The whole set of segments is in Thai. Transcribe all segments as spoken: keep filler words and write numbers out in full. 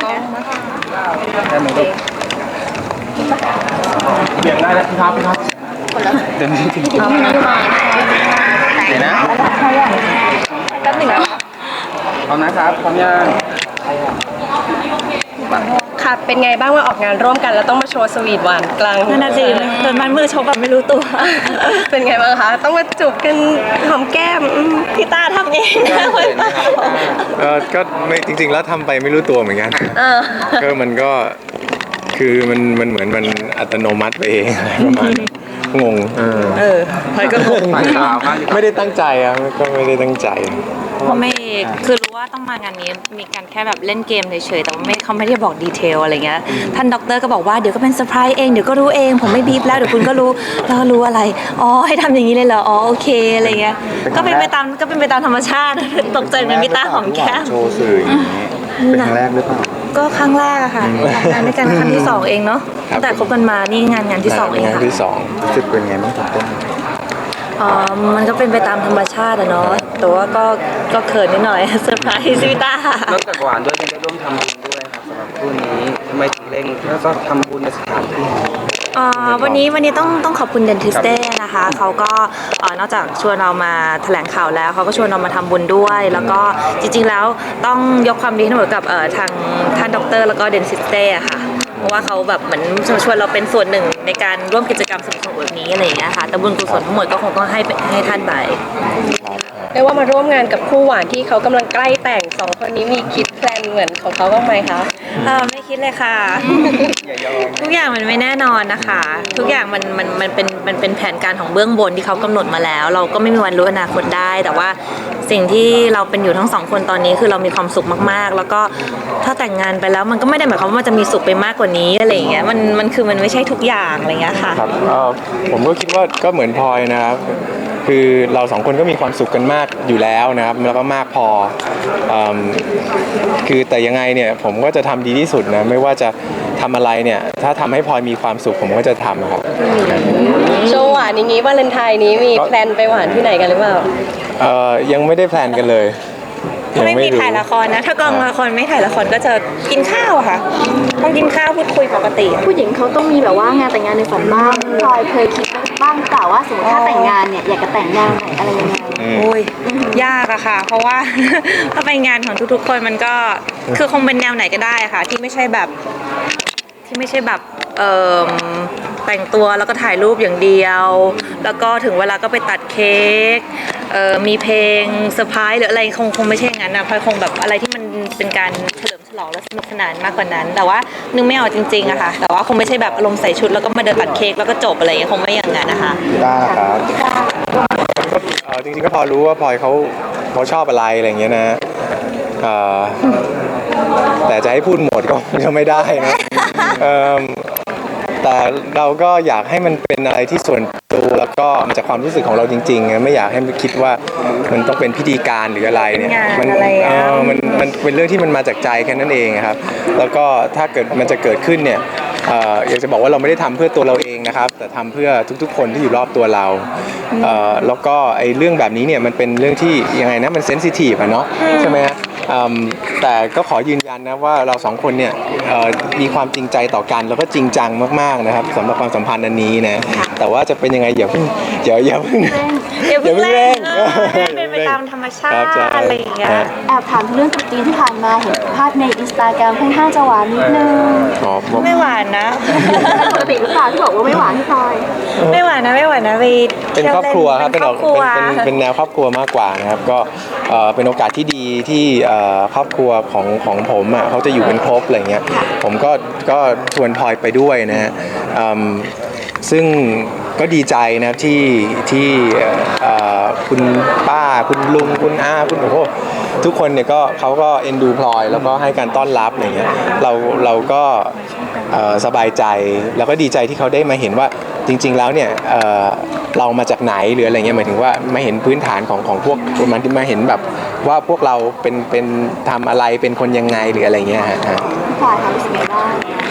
ได้ไหมลูกเบี่ยงได้แล้วพี่ครับพี่ครับเดี๋ยวนี้จริงๆเดี๋ยวนะแป๊บหนึ่งนะพร้อมนะครับพร้อมยังค่ะเป็นไงบ้างว่าออกงานร่วมกันแล้วต้องมาโชว์สวีทหวานกลางนั่นน่ะสิเดินมันมือชกแบบไม่รู้ตัวเป็นไงบ้างคะต้องมาจูบกันหอมแก้มพี่ตาทำเองนะคนเปล่าเออก็ไม่จริงๆแล้วทำไปไม่รู้ตัวเหมือนกันก็มันก็คือมันมันเหมือนมันอัตโนมัติไปเองอะไรประมาณงงเออเออพลอยก็งงไม่ได้ตั้งใจอ่ะก็ไม่ได้ตั้งใจไม่คือรู้ว่าต้องมางานนี้มีการแค่แบบเล่นเกมเฉยๆแต่ว่าไม่เขาไม่ได้บอกดีเทลอะไรเงี้ยท่านด็อกเตอร์ก็บอกว่าเดี๋ยวก็เป็นเซอร์ไพรส์เองเดี๋ยวก็รู้เองผมไม่บีบแล้วเดี๋ยวคุณก็รู้แล้วรู้อะไรอ๋อให้ทำอย่างนี้เลยเหรออ๋อโอเคอะไรเงี้ยก็เป็นไปตามก็เป็นไปตามธรรมชาติตกใจเหมือนมิต้าหอมแก้มโชว์สื่ออย่างนี้เป็นครั้งแรกหรือเปล่าก็ครั้งแรกอะค่ะงานด้วยกันครั้งที่สองเองเนาะตั้งแต่คบกันมานี่งานงานที่สองเองค่ะงานที่สองรู้สึกเป็นไงบ้างครับอ๋อมันก็เป็นไปตามธรรมชาติอะเนาะแต่ว่าก็ก็เขินนิดหน่อยเซอร์ไพรส์ซิต้านอกจากหวานด้วยยังได้ร่วมทำบุญด้วยครับสำหรับคู่นี้ทำไมถึงเร่งแล้วก็ทำบุญในสถานที่อ่าวันนี้วันนี้ต้องต้องขอบคุณเดนทิสเต้นะคะเขาก็นอกจากชวนเรามาแถลงข่าวแล้วเขาก็ชวนเรามาทำบุญด้วย แล้วก็จริงๆแล้วต้องยกความดีให้หมดกับทางท่านด็อกเตอร์แล้วก็เดนทิสเต้ค่ะเพราะว่าเขาแบบเหมือนชวนเราเป็นส่วนหนึ่งในการร่วมกิจกรรมสนุกๆแบบนี้อะไรอย่างเงี้ยค่ะแต่บุญกุศลทั้งหมดก็คงต้องให้ให้ท่านไปเรียกว่ามาร่วมงานกับคู่หวานที่เขากำลังใกล้แต่งสองคนนี้มีคิดแพลนเหมือนของเขาบ้างไหมคะเออไม่คิดเลยค่ะทุกอย่างมันไม่แน่นอนนะคะทุกอย่างมันมันมันเป็นมันเป็นแผนการของเบื้องบนที่เขากำหนดมาแล้ว เราก็ไม่มีวันรู้อนาคตได้แต่ว่าสิ่งที่เราเป็นอยู่ทั้งสองคนตอนนี้คือเรามีความสุขมากๆแล้วก็ถ้าแต่งงานไปแล้วมันก็ไม่ได้หมายความว่ามันจะมีสุขไปมากกว่านี้อะไรอย่างเงี้ยมันมันคือมันไม่ใช่ทุกอย่างอะไรเงี้ยค่ะครับผมก็คิดว่าก็เหมือนพลอยนะครับคือเราสองคนก็มีความสุขกันมากอยู่แล้วนะครับแล้วก็มากพอคือแต่ยังไงเนี่ยผมก็จะทำดีที่สุดนะไม่ว่าจะทำอะไรเนี่ยถ้าทำให้พลอยมีความสุขผมก็จะทำครับโชว์หวานอย่างนี้วาเลนไทน์นี้มีแพลนไปหวานที่ไหนกันหรือเปล่าเอ่อยังไม่ได้แพลนกันเลยถ้าไม่มีถ่ายละครนะถ้ากองละครไม่ถ่ายละครก็จะกินข้าวค่ะต้องกินข้าวพูดคุยปกติผู้หญิงเขาต้องมีแบบว่างานแต่งงานในฝันบ้างพลอยเคยคิดบ้างเปล่าว่าสมมติถ้าแต่งงานเนี่ยอยากจะแต่งแนวไหนอะไรยังไงโอ้ยยากอะค่ะเพราะว่าถ้าไปงานของทุกๆคนมันก็คือคงเป็นแนวไหนก็ได้ค่ะที่ไม่ใช่แบบที่ไม่ใช่แบบเอ่อแต่งตัวแล้วก็ถ่ายรูปอย่างเดียวแล้วก็ถึงเวลาก็ไปตัดเค้กเอ่อมีเพลงเซอร์ไพรส์หรืออะไรคงคงไม่ใช่อย่างนั้นนะพลอยคงแบบอะไรที่มันเป็นการเฉลิมฉลองและสนุกสนานมากกว่านั้นแต่ว่านึกไม่ออกจริงๆอะค่ะแต่ว่าคงไม่ใช่แบบอารมณ์ใส่ชุดแล้วก็มาเดินตัดเค้กแล้วก็จบอะไรอย่างเงี้ยคงไม่อย่างนั้นนะคะได้ครับก็จริงๆก็พอรู้ว่าพลอยเขาเขาชอบอะไรอะไรอย่างเงี้ยนะแต่จะให้พูดหมดก็จะไม่ได้นะแต่เราก็อยากให้มันเป็นอะไรที่ส่วนตัวแล้วก็มาจากความรู้สึกของเราจริงๆไม่อยากให้คิดว่ามันต้องเป็นพิธีการหรืออะไรเนี่ยมันเออมันมันเป็นเรื่องที่มันมาจากใจแค่นั้นเองครับแล้วก็ถ้าเกิดมันจะเกิดขึ้นเนี่ยอยากจะบอกว่าเราไม่ได้ทำเพื่อตัวเราเองนะครับแต่ทำเพื่อทุกๆคนที่อยู่รอบตัวเราแล้วก็ไอ้เรื่องแบบนี้เนี่ยมันเป็นเรื่องที่ยังไงนะมันเซนซิทีฟอะเนาะใช่ไหมฮะแต่ก็ขอยืนยันนะว่าเราสองคนเนี่ยมีความจริงใจต่อกันแล้วก็จริงจังมากๆนะครับสำหรับความสัมพันธ์อันนี้นะแต่ว่าจะเป็นยังไงอย่าเพิ่งอย่าอย่าเพิ่งอย่าเพิ่งเร่งเป็นไปตามธรรมชาติอะไรอย่างเงี้ยแอบถามเรื่องตุ๊กจีนที่ผ่านมาเห็นภาพในอินสตาแกรมค่อนข้างจะหวานนิดนึงไม่หวานนะปกติหรือเปล่าที่บอกว่าไม่หวานที่พลอยไม่หวานนะไม่หวานนะไปเป็นครอบครัวครับเป็นเป็นเป็นแนวครอบครัวมากกว่านะครับก็เป็นโอกาสที่ดีที่ครอบครัวของของผมอ่ะเขาจะอยู่เป็นครบอะไรเงี้ยผมก็ก็ชวนพลอยไปด้วยนะฮะซึ่งก็ดีใจนะครับที่ที่คุณป้าคุณลุงคุณอาคุณโอ้โหทุกคนเนี่ยก็เขาก็เอ็นดูพลอยแล้วก็ให้การต้อนรับอะไรเงี้ยเราเราก็สบายใจแล้วก็ดีใจที่เขาได้มาเห็นว่าจริงๆแล้วเนี่ยเรามาจากไหนหรืออะไรเงี้ยหมายถึงว่ามาเห็นพื้นฐานของของพวกมันที่มาเห็นแบบว่าพวกเราเป็นเป็นทำอะไรเป็นคนยังไงหรืออะไรเงี้ยฮะพลอยทำสิ่งใดบ้าง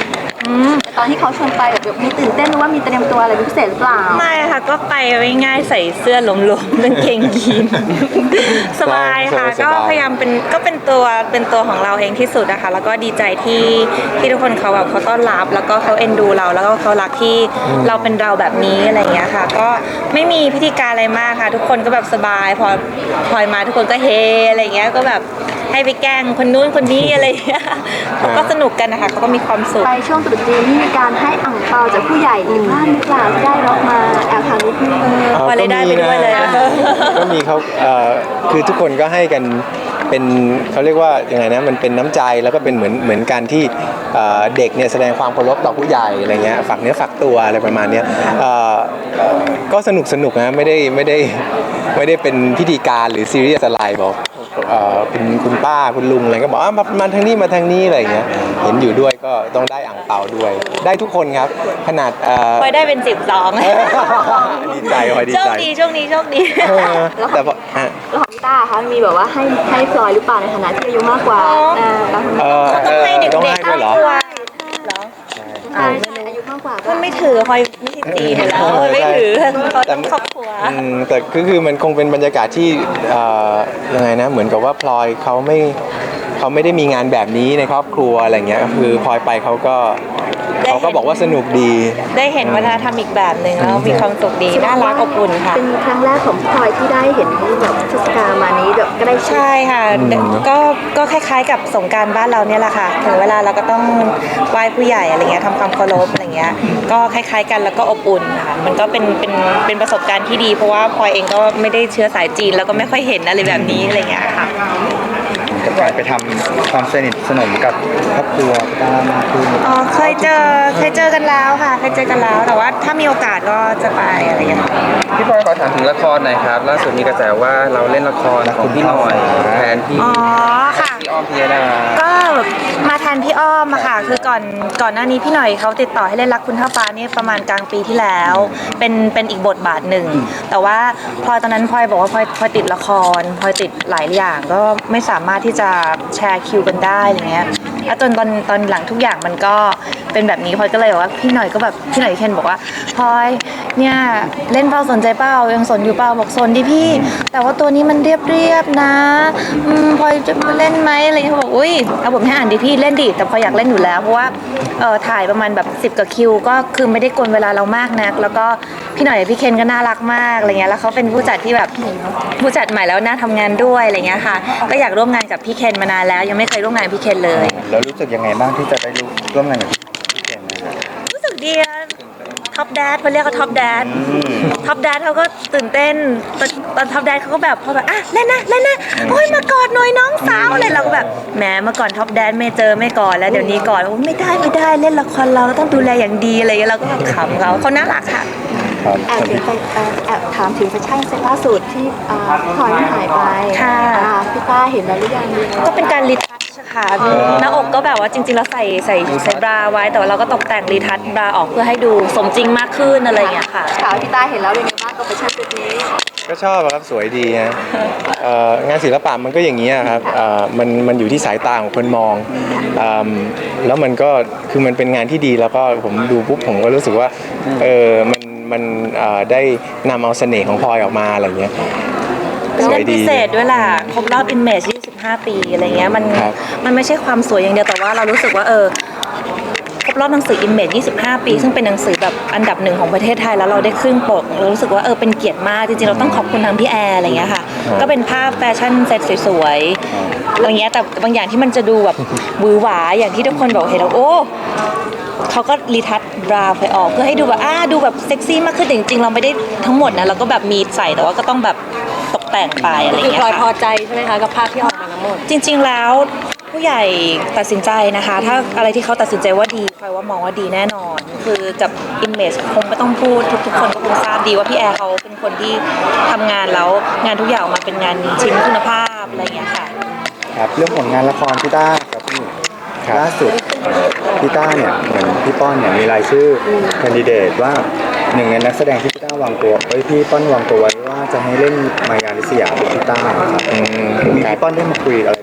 แต่ตอนที่เขาชวนไปแบบมีตื่นเต้นหรือว่ามีเตรียมตัวอะไรพิเศษหรือเปล่าไม่ค่ะก็ไปง่ายๆใส่เสื้อหลวมๆกางเกงยีน สบายค่ะสบายๆก็พยายามเป็นก็เป็นตัวเป็นตัวของเราเองที่สุดนะคะแล้วก็ดีใจที่ที่ทุกคนเขาแบบเขาต้อนรับ แล้วก็เขาเอ็นดูเราแล้วก็เขารักที่เราเป็นเราแบบนี้อะไรอย่างเงี้ยค่ะ ก็ไม่มีพิธีการอะไรมากค่ะ ทุกคนก็แบบสบายพอพลอยมาทุกคนก็เฮอะไรอย่างเงี้ยก็แบบให้ไปแกล้งคนนู้นคนนี้อะไรอย่างเงี้ยเขาก็สนุกกันนะคะเขาก็มีความสุขไปช่วงตรุษจีนนี่มีการให้อ่างเปาจากผู้ใหญ่ดีบ้างหรือเปล่าที่ได้รับมาแอบถามนิดนึงอ่าพอเลยได้ไปด้วยเลยก็มีนะก็มีเขาเอ่อคือทุกคนก็ให้กันเป็นเขาเรียกว่ายังไงนะมันเป็นน้ำใจแล้วก็เป็นเหมือนเหมือนการที่เอ่อเด็กเนี่ยแสดงความเคารพต่อผู้ใหญ่อะไรเงี้ยฝากเนื้อฝากตัวอะไรประมาณเนี้ยเอ่อก็สนุกสนุกนะไม่ได้ไม่ได้ไม่ได้เป็นพิธีการหรือซีเรียสอะไรบอกเอ่อคุณคุณป้าคุณลุงอะไรก็บอกอ่ะมามาทางนี้มาทางนี้อะไรเงี้ยเห็นอยู่ด้วยก็ต้องได้อ่างเปาด้วย ได้ทุกคนครับขนาดเอ่อพลอยได้เป็นสิบสองดีใจพลอยดีโชคใจดีช่วงนี้โชคดีเออแต่พออ่ะแล้วของพี่ต้าคะมีแบบว่าให้ให้พลอยหรือเปล่าในฐานะที่อายุมากกว่าอ๋ออ่าแล้วเออเขาต้องให้เด็กต้องๆให้ด้วยเหรอครอบครัวเหรอใช่ใช่อายุมากกว่ามันไม่ถือพลอยไม่ใช่ตีอยู่แล้วพลอยไม่ถือเขาต้องครอบครัวอืมแต่คือคือมันคงเป็นบรรยากาศที่เอ่อยังไงนะเหมือนกับว่าพลอยเขาไม่เขาไม่ได้มีงานแบบนี้ในครอบครัวอะไรเงี้ยคือพลอยไปเขาก็ได้เห็นเขาก็บอกว่าสนุกดีได้เห็นวัฒนธรรมอีกแบบหนึ่งแล้วมีความสุขดีน่ารักอบอุ่นค่ะเป็นครั้งแรกของพลอยที่ได้เห็นแบบเทศกาลมานี้แบบก็ได้ชิมใช่ค่ะก็ก็คล้ายๆกับสงกรานต์บ้านเราเนี่ยแหละค่ะถึงเวลาเราก็ต้องไหว้ผู้ใหญ่อะไรเงี้ยทำความเคารพอะไรเงี้ยก็คล้ายๆกันแล้วก็อบอุ่นค่ะมันก็เป็นเป็นเป็นประสบการณ์ที่ดีเพราะว่าพลอยเองก็ไม่ได้เชื้อสายจีนแล้วก็ไม่ค่อยเห็นอะไรแบบนี้อะไรเงี้ยค่ะกับการไปทำความสนิทสนมกับครอบครัวบ้างมากขึ้นอ๋อเคยเจอเคยเจอกันแล้วค่ะเคยเจอกันแล้วแต่ว่าถ้ามีโอกาสก็จะไปอะไรอย่างเงี้ยพี่พลอยขอถามถึงละครหน่อยครับล่าสุดมีกระแสว่าเราเล่นละครของพี่หน่อยแทนพี่อ๋อค่ะพี่อ้อมพิยดาก็มาแทนพี่อ้อมอะค่ะคือก่อนก่อนหน้านี้พี่หน่อยเขาติดต่อให้เล่นรักคุณเท่าฟ้านี่ประมาณกลางปีที่แล้วเป็นเป็นอีกบทบาทหนึ่งแต่ว่าพลอยตอนนั้นพลอยบอกว่าพลอยพลอยติดละครพลอยติดหลายอย่างก็ไม่สามารถที่จะแชร์คิวกันได้อะไรเงี้ยแล้วจนตอนตอนหลังทุกอย่างมันก็เป็นแบบนี้พลอยก็เลยบอกว่าพี่หน่อยก็แบบพี่หน่อยเคนบอกว่าพลอยเนี่ยเล่นเป้าสนใจเป้ายังสนอยู่เป้าบอกสนดิพี่ แต่ว่าตัวนี้มันเรียบเรียบๆนะอืมพลอยจะมาเล่นไหมอะไรเงี้ยเขาบอกอุ้ยเอาผมให้อ่านดิพี่เล่นดิแต่พลอยอยากเล่นอยู่แล้วเพราะว่าเออถ่ายประมาณแบบสิบกว่าคิวก็คือไม่ได้กวนเวลาเรามากนักแล้วก็พี่หน่อยพี่เคนก็น่ารักมากอะไรเงี้ยแล้วเขาเป็นผู้จัดที่แบบผู้จัดใหม่แล้วน่าทำงานด้วยอะไรเงี้ยค่ะก็อยากร่วมงานกับพี่เคนมานานแล้วยังไม่เคยร่วมงานกับพี่เคนเลยแล้วรู้สึกยังไงบ้างที่จะได้ร่วมงานกับพี่เก่งนะครับรู้สึกดีท็อปแดดเขาเรียกเขาท็อปแดดท็อปแดดเขาก็ตื่นเต้นตอนตอนท็อปแดดเขาก็แบบพอแบบอ่ะเล่นนะเล่นนะโอ้ยมากอดหน่อยน้องสาวเลยเราก็แบบแหมเมื่อก่อนท็อปแดดไม่เจอไม่กอดแล้วเดี๋ยวนี้กอดโอ้ไม่ได้ไม่ได้เล่นละครเราต้องดูแลอย่างดีอะไรอย่างเงี้ยเราก็แบบขำเขาเขาน่ารักค่ะครับแอบถึงไปแอบแอบถามถึงแฟชั่นเซ็ตล่าสุดที่อ่าพลอยหายไปค่ะอ่าพี่ต้าเห็นแล้วหรือยังก็เป็นการรีทัชค่ะหน้าอกก็แบบว่าจริงๆแล้วใส่ใส่ใส่บราไว้แต่ว่าเราก็ตกแต่งรีทัชบราออกเพื่อให้ดูสมจริงมากขึ้นอะไรอย่างเงี้ยค่ะข่าวพี่ต้าเห็นแล้วเป็นไงบ้างกับแฟชั่นเซ็ตนี้ก็ชอบอะครับสวยดีฮะเอ่องานศิลปะมันก็อย่างนี้ยครับเอ่อมันมันอยู่ที่สายตาของคนมองอืมแล้วมันก็คือมันเป็นงานที่ดีแล้วก็ผมดูปุ๊บผมก็รู้สึกว่าเออมันมันเอ่อได้นำเอาเสน่ห์ของพลอยออกมาอะไรเงี้ยสวยเล่นดีพิเศษด้วยล่ะครบรอบ Image ยี่สิบห้า ปีอะไรเงี้ยมันครับมันไม่ใช่ความสวยอย่างเดียวแต่ว่าเรารู้สึกว่าเออครบรอบหนังสือ Image ยี่สิบห้า ปี ซึ่งเป็นหนังสือแบบอันดับหนึ่งของประเทศไทยแล้วเราได้ขึ้นปกเรารู้สึกว่าเออเป็นเกียรติมากจริงๆเราต้องขอบคุณทางพี่แอร์อะไรเงี้ยค่ะก็เป็นภาพแฟชั่นเซ็ตสวยๆอะไรเงี้ยแต่บางอย่างที่มันจะดูแบบหวือหวาอย่างที่ทุกคนบอกเห็นแล้วโอ้เขาก็รีทัชบราไปออกเพื่อให้ดูแบบอ่าดูแบบเซ็กซี่มากขึ้นแต่จริงๆเราไม่ได้ทั้งหมดนะเราก็แบบมีใส่แต่ว่าก็ต้องแบบตกแต่งไปอะไรคือเงี้พลอยยพอค่ะใจใช่ไหมคะกับภาพที่ออกมาทั้งหมดจริงๆแล้วผู้ใหญ่ตัดสินใจนะคะ ถ้าอะไรที่เขาตัดสินใจว่าดีพลอยว่ามองว่าดีแน่นอน คือกับ image คงไม่ต้องพูดทุกๆคนก็คงทราบดีว่าพี่แอร์เขาเป็นคนที่ทำงานแล้วงานทุกอย่างออกมาเป็นงานชิ้นคุณภาพอะไรอย่างเงี้ยค่ะครับเรื่องผลงานละครพี่ต้าครับพี่ครับล่าสุดเอ่อพี่ต้าเนี่ยเหมือนพี่ป้อนเนี่ยมีรายชื่อแคนดิเดตว่าหนึ่งในนักแสดงที่พี่ต้าวางตัวเอ้ยพี่ป้อนวางตัวไว้ว่าจะให้เล่นมายาลิสยาเป็นพี่ต้าครับอืมมีครับพี่ป้อนได้มาคุยอะไรบ้างไหมครับ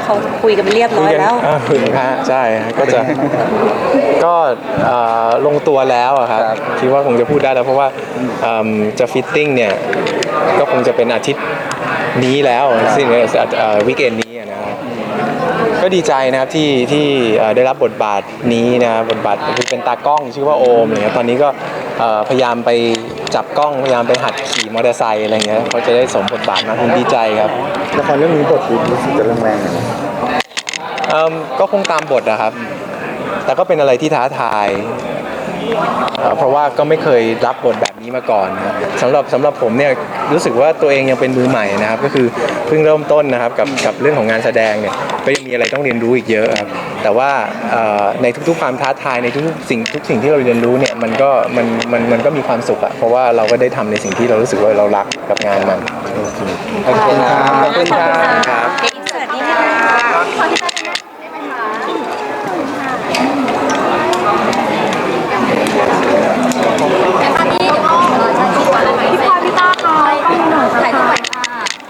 เขาคุยกันไปเรียบร้อยแล้วอ่าคุยกันฮะใช่ก็จะก็เอ่อลงตัวแล้วอะครับคิดว่าคงจะพูดได้แล้วเพราะว่าเอิ่มจะฟิตติ้งเนี่ยก็คงจะเป็นอาทิตย์นี้แล้วสิ้นวีคเอนนี้อะนะครับก็ดีใจนะครับที่ที่เอ่อได้รับบทบาทนี้นะครับบทบาทคือเป็นตากล้องชื่อว่าโอมอะไรเงี้ยตอนนี้ก็เอ่อพยายามไปจับกล้องพยายามไปหัดขี่มอเตอร์ไซค์อะไรเงี้ยเขาจะได้สมบทบาทมากผมดีใจครับละครเรื่องนี้บทรู้สึกจะเรื่องแรงเลยเอิ่มก็คงตามบทนะครับ แต่ก็เป็นอะไรที่ท้าทายเอ่อเพราะว่าก็ไม่เคยรับบทแบบนี้มาก่อนนะครับสำหรับสำหรับผมเนี่ยรู้สึกว่าตัวเองยังเป็นมือใหม่นะครับก็คือเพิ่งเริ่มต้นนะครับกับกับเรื่องของงานแสดงเนี่ยก็ยังมีอะไรต้องเรียนรู้อีกเยอะครับแต่ว่าเอ่อในทุกๆความท้าทายในทุกๆสิ่งทุกสิ่งที่เราเรียนรู้เนี่ยมันก็มันมันมันก็มีความสุขอะเพราะว่าเราก็ได้ทำในสิ่งที่เรารู้สึกว่าเรารักกับงานมันขอบคุณครับขอบคุณครับสวัสดีค่ะพี่พลอยพี่ต้าค่ะต้องหนูถ่ายรูปไว้ค่ะ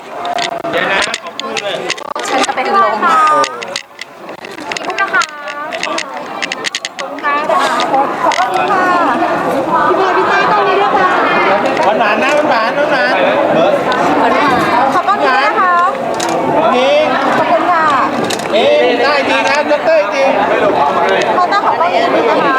ฉันจะเป็นลมค่ะพี่พุกนะคะขอบคุณค่ะขอบคุณค่ะพี่พลอยพี่ต้าต้องมีด้วยค่ะหวานหวานนะหวานหวานหวานขอบคุณค่ะนะคะนี่ขอบคุณค่ะเอ๊ะได้จริงนะดรจริงเขาต้องขอบคุณนะคะ